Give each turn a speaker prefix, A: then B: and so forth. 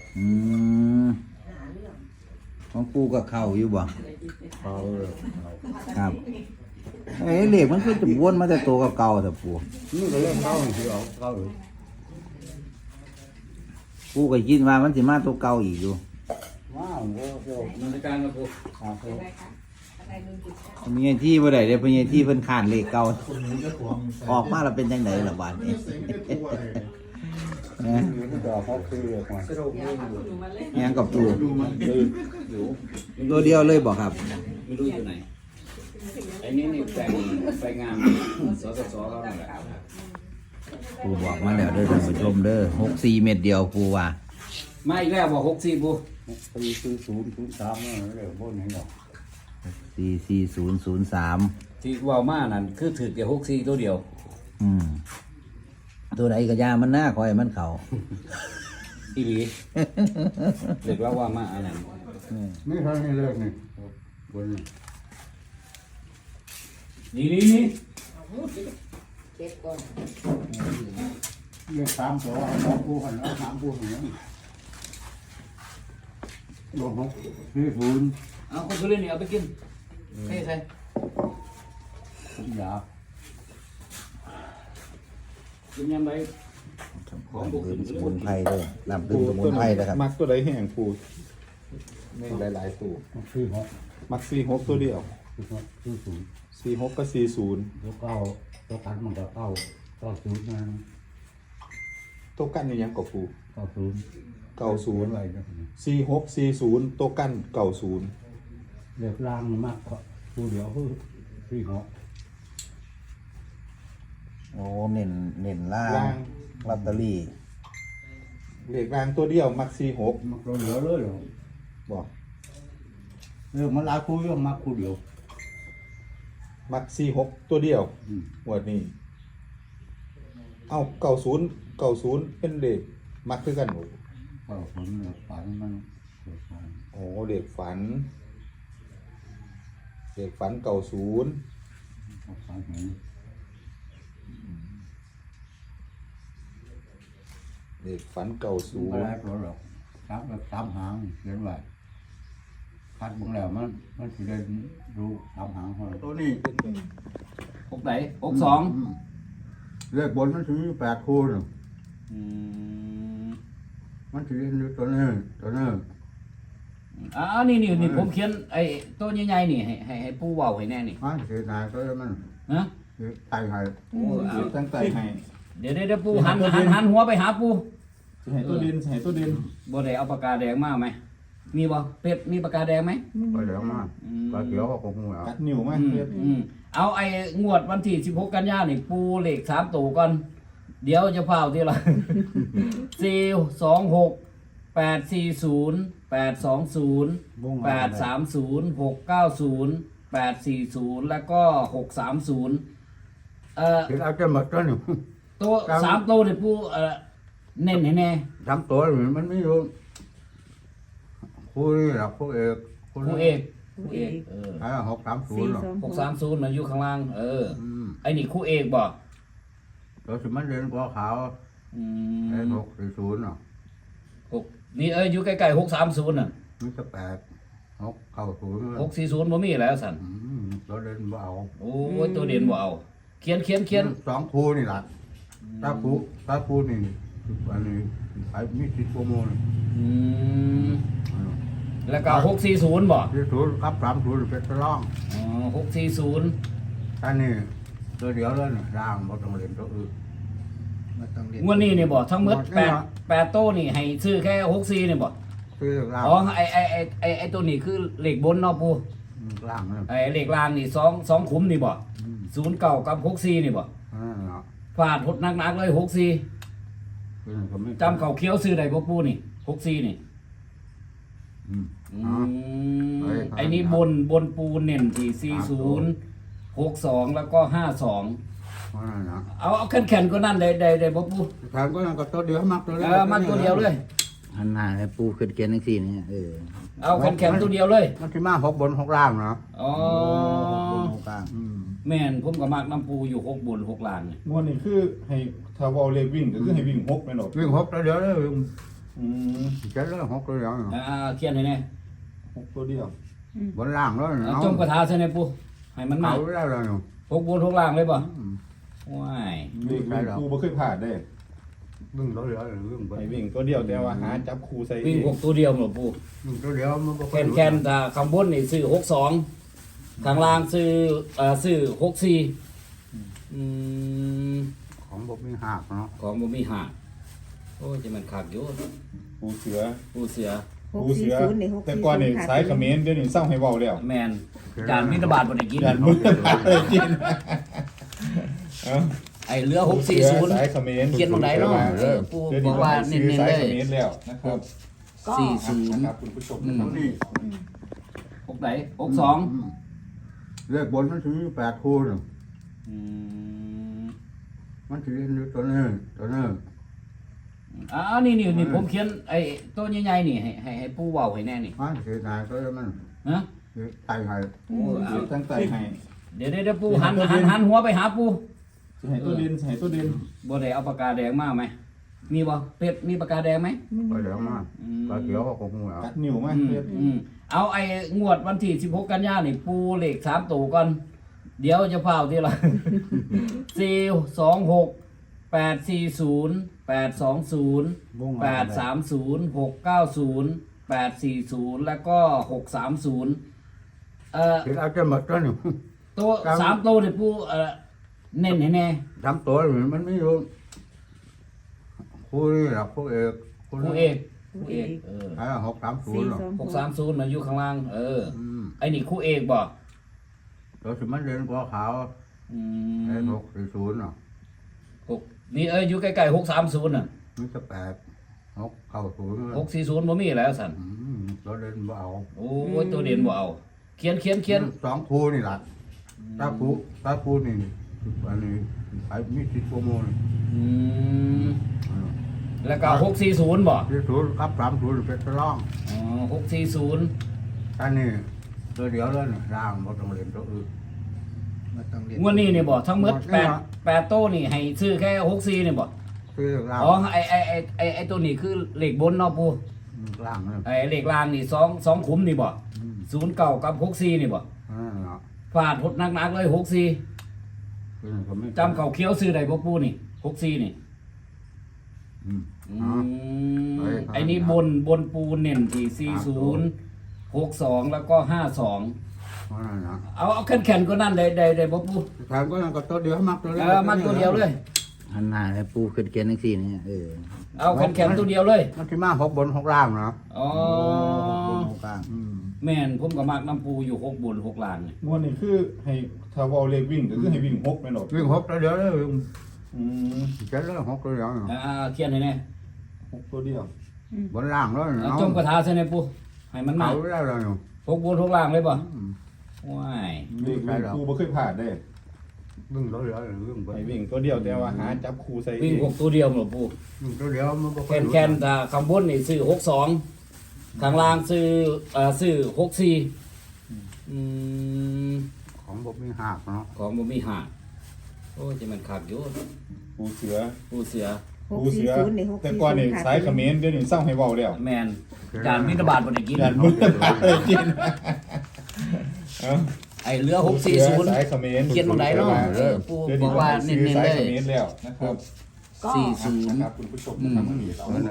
A: อืมของปูกับเข่าอยู่บ่
B: เขาเลย
A: ครับเหล็กมันคือจะวนมาแต่ตัวกับเก่าแต่ปู
B: นี่ก็เล่นเข้าที่เอาเข้าเลย
A: ปูก็คิดว่ามันสิมาตัวเก่าอีกอยู่
B: ว้าวโอ้โห
C: มันในการมาปู
B: ครับผม
A: มีที่บ่ได้เด้เพิ่นที่เพิ่นขานเหล็กเก่าออกมาแล้วเป็นจังไดล่ะบาดนี้นะ
B: นี่ก็เขาคือเรียกว่า
C: สรุปไม่รู้
A: ยังกับปู
C: อยู่
A: ตัวเดียวเลยบ่ครับ
C: ไม่รู้อยู่ไหนไอ้นี่ไปงานสสเขาเนี่ยแหละ
A: ปูบอกมาแล้วเด้อท่านผู้ชมเด้อ64เม็ดเดียวปูว่า
C: มาอีกแล้วบอก64ปู
B: ปีคือ003นั่นเรียกบนนี้หรอก
A: 44003
C: ที่ว่ามานั่นคือถือแค่64ตัวเดียว
A: อืมตัวไหนก็ยามันหน้าคอยมันเขา
C: อีหลีเด็กแล้วว่ามาอันนั้น
B: นี่เท่านี้เลิกนี่บนนี้
C: นี่
B: เรียก3ตัวสองคู่กันแล้ว3คู่อย่างนี้รวม640
C: เอาคนเล่นนี่เอาไปกินให้ใคร
B: ผมอยาก
C: กินยังไง
A: ของดื่มสมุนไพรด้วยลำดื่มสมุนไพรนะครับ
D: มักตัวใดแห้งปูในหลายๆตัว
B: คือ6
D: มัก46ตัวเดียว
B: คือ0
D: 46กับ40
B: แล้วก็ตัวกันมันก็90นะ
D: ตัวกันนี่ยังกับปู
B: 90อะไร
D: 90
B: นะ
D: 4640ตัวกัน90
B: เลือกล่างมากกว่าผู้เดียวคือ46
A: โอ้เน้นล่า
D: ล่าง ง
A: ลอตเตอรี่
D: เลขล่างตัวเดียวมัก46
B: มันก็เหลือเลยเหรอ
D: บอก
B: มันหลายคู่ยังมาคู่เดียว
D: มัก46ตัวเดียว
B: อืม
D: หมวดนี้เอา90เป็นเลขมักคือกันหมด
B: ก็ผมเนี่ยฝันมันเกิดมา
D: โอ้เลขฝัน90
B: ฝันเห็น
D: เลขฝัน
B: ไม่ได้ตัวหรอกสามหางเขียนไว้คัดบุงแล้วมันจะได้รู้3 หางคนตัวนี้
C: 6ไหน62
B: เลขบนมันถึง8 คู่น่ะมันถึงตัวนี้
C: นี่ผมเขียนไอ้ตัวใหญ่ๆนี่ให้ปูเว้าให้แน่นี่
B: มันเสียดายก็มัน
C: ฮะ
B: ตายหาย
C: โอ้เอา
D: ตั้งใจให้
C: เดี๋ยวปูหันหัวไปหาปู
D: ให้ตัวดินให้ตัวดิน
C: บ่ได้เอาปากกาแดงมาไหมมีบ่เป็ดมีปากกาแดงไหม
B: ไปแล้วมาปลาเขียวก็คงเหงา
D: กัดนิ้วไหม
C: เอาไอ้งวดวันที่16กันยายนนี่ปูเลข3ตัวก่อนเดี๋ยวจะเฝ้าทีละ 426 840 820 830 690 840แล้วก็630
B: เห็นเอาจะหมดแล้วนี่
C: ตัว3ตัวนี่ปูเน้นให้แน่
B: ทำตัวมันไม่รู้คู่นี่หรอกคู่เอก
C: คู่เอก
B: 630หรอก
C: 630มันอยู่ข้างล่างไอ้นี่คู่เอกบ่
B: ตัวสมันเรียนกว่าขาวไอ้640หรอก
C: นี่อยู่ใกล้ๆ630น่ะ
B: มันจะ690
C: 640บ่มีแล้วสั่น
B: ตัวเรียนบ่เอา
C: โอ้ยตัวเด่นบ่เอาเขียน
B: 2 คู่นี่แหละถ้าคู่นี่อันนี้ไอ้มี10 โปรโมท
C: แล้วก็640บ่
B: 40ครับ30เป็นตะล่อง
C: อ๋อ640
B: อันนี้ตัวเดียวเลยนี่ร่างบ่ต้องเรียนตัวอื่น
C: งวดนี้นี่บ่ทั้งหมด8โต้นี่ให้ซื้อแค่64นี่บ่
B: คือร่าง
C: อ๋อไอ้ตัวนี้คือเลขบนเนาะปู
B: ร่างนั่น
C: ไอ้เลขล่างนี่2ขุมนี่บ่09กับ64นี่บ่
B: เนาะ
C: ฟาดหดหนักๆเลย64
B: คือก็ไม่
C: จำเขาเคี้ยวซื้อได้บ่ปูนี่64นี่
B: อืม
C: ไอ้นี่บนปูเน้นที่40 62แล้วก็52
B: นั่นนะ
C: เอาแข็งๆก็นั่นได้บ่ปู
B: ทางก็นั่นก็ตัวเดียวมักตัวเดียว
C: มาตัวเดียวเลย
A: หันหน้าให้ปูขึ้นเกียนทั้งสี่นี่
C: เอาแข็งๆตัวเดียวเลย
B: มันสิมา6 บน 6 ล่างเนาะ
C: อ๋อ
A: บนกลาง
C: แม่นผมก็มักน้ำปูอยู่6บน6ล่างนี่
D: งวดนี้คือให้ถ้าว่าเลขวิ่งก็คือให้วิ่ง6แม่นดอก
B: วิ่ง6ตัวเดียวเลย
D: อืม
B: เจ็ดเลยหกตัวเดียว
C: เขียนให้แน่
D: 6ตัวเดียว
B: บนล่างเลย
C: จมกระทาใช่ไหมปูให้มันมา
B: เอาแล้วเลย
C: หกบนหกล่างเลยป่ะว้าย
D: เลขกูบ่เคยผ่านเด้
B: วิ่งตัวเดียววิ่งไป
D: ไอ้วิ่งตัวเดียวแต่ว่าหาจับคู่ใส่
C: วิ่งหกตัวเดียวหมดปู
B: วิ่งตัวเดียวมันก็
C: แคนถ้าข้างบนนี่ซื้อ62ข้างล่างซื้อ64
B: ของบ่มีหักเนาะ
C: ของบ่มีหักโอ้ยจะมันคักอยู่
D: ปูเสือ
C: ปูเสือ
D: ปูเสือแต่ก่อนนี่สายเขมรเดี๋ยวนี้เศร้าให้เว้าแล้ว
C: แมนจานมิตรบาทบ่ได้กิน
D: ยันมือตายเลยกินเอ้า
C: ไอ้เรือ
D: สายเขมร
C: 640เขียนตรงไหนเนาะปูบอกว่าเน้นๆ
D: สา
C: เลย
D: เขมรแล้วนะครับ
C: 40
D: นะครับคุณผู้ชมนะครับนี่
C: หกไหน62
B: เลขบนมันถึง8คู่นึง มันถือตัวนี้
C: นี่ผมเขียนไอ้ตัวใหญ่ๆนี่ให้ปูเว้าให้แน่นี่
B: มันถือไหนตัวมัน
C: ฮะ
B: ถือไทยให้
C: โอ้เอา
D: ตั้งใจให้
C: เดี๋ยวปูหันหัวไปหาปู
D: สิให้ตัวเด่นสิให้ตัวเด่น
C: บ่ได้เอาปากกาแดงมาไหมมีบ่เป็ดมีปากกาแดงไหม
B: ไปเดี๋ยวมาปลาเขียวก็คงเอา
D: กัดนิ้วมาเรียบ
C: เอาไอ้งวดวันที่16กันยายนนี่ปูเลข3ตัวก่อนเดี๋ยวจะพาทีละ426 840 820 830 690 840แล้วก็630
B: ถือเอาจะหมดตัวหนึ่ง
C: ตัว3ตัวนี่ปูเน้นให้แน่
B: ทำตัวมันไม่รู้คู่นี่หรอกคู่เอก
C: ครูเอก
B: 630หรอก
C: 630น่ะอยู่ข้างล่างไอ้นี่ครูเอกบ่
B: ตัวสิมันเรียนกว่าขาวไอ้640เนาะ
C: นี่อยู่ใกล้ๆ630น่ะ
B: มันจะ690
C: 640บ่มีแล้วสั่น
B: ตัวเรียนบ่เอา
C: โอ้ยตัวเด่นบ่เอาเขียน
B: สองคู่นี่ล่ะถ้าคู่นี่อันนี้ไอ้มี10ชั่วโมง
C: แล้วก็640บ่
B: 40กับ30เป็นตะล่อง
C: อ๋อ640
B: อันนี้ตัวเดียวเลยนะร่างบ่ต้องเรียนตัวอื่น
C: งวดนี้นี่บ่ทั้งหมด8โต้นี่ให้ซื้อแค่64นี่บ่
B: คือร่าง
C: อ๋อไอ้ตัวนี้คือเลขบนเนาะปู
B: ร่างนั่น
C: ไอ้เลขล่างนี่2ขุมนี่บ่09กับ64นี่บ่
B: เนาะ
C: ฟาดหดหนักๆเลย64
B: คือก็ไม่
C: จำเขาเคี้ยวซื้อได้บ่ปูนี่64นี่ ไอ้นี่บนปูเน้นที่40 62แล้วก็52
B: นั่นนะ
C: เอาแข็งๆก็นั่นได้บ่ปู
B: ทางก็ยังก็ตัวเดียวมักตัวเดียว
C: มาตัวเดียวเลย
A: หันหน้าให้ปูขึ้นเกียนจังซี่นี่
C: เอาแข็งๆตัวเดียวเลย
B: มันที่มา6บน6ล่างเนาะ
C: อ๋อ
A: กลาง
C: แม่นผมก็มักน้ำปูอยู่6บน6ล่างนี่
D: งวดนี้คือให้ถ้าเว้าเลขวิ่งก็คือให้วิ่ง6แม่นบ่
B: วิ่ง6ตัวเดียวเลย
D: อืม
B: เจ็ดเลย6ตัวเดียว
C: เขียนให้แน่
D: 6ตัวเดียว
B: บนล่างเลย
C: จมกระทาใช่ไหมปูให้มันมา
B: เอาแล้วเลย
C: 6บน6ล่างเลยป่ะว้าย
D: เลขกูบ่เคยผ่านเด้
B: วิ่งตัวเดียววิ่งไป
D: ไอ้วิ่งตัวเดียวแต่ว่าหาจับคู่ใส่
C: วิ่ง6ตัวเดียวหมดปู
B: วิ่งตัวเดียวมันก็
C: แคนถ้าข้างบนนี่ซื้อ62ข้างล่างซื้อ64
B: ของบ่มีหักเนาะ
C: ของบ่มีหักโอ้ยจะมันคักอยู่
D: ปูเสือ
C: ปูเสือ
D: ปูเสือแต่ก่อนนี่สายเขมรเดี๋ยวนี้เศร้าให้เว้าแล้ว
C: แมนจานมิตรบาทบ่ได้กิน
D: ยันมือตายเลยกินเอ้า
C: ไอ้เรือ
D: สายเขมร
C: 640เขียนตรงไหนเนาะปูบอกว่าเน้นๆ
D: สาย
C: เล
D: เข
C: ย
D: มรแล้วนะครับ
C: 40
D: นะครับคุณผู้ชมนะครับ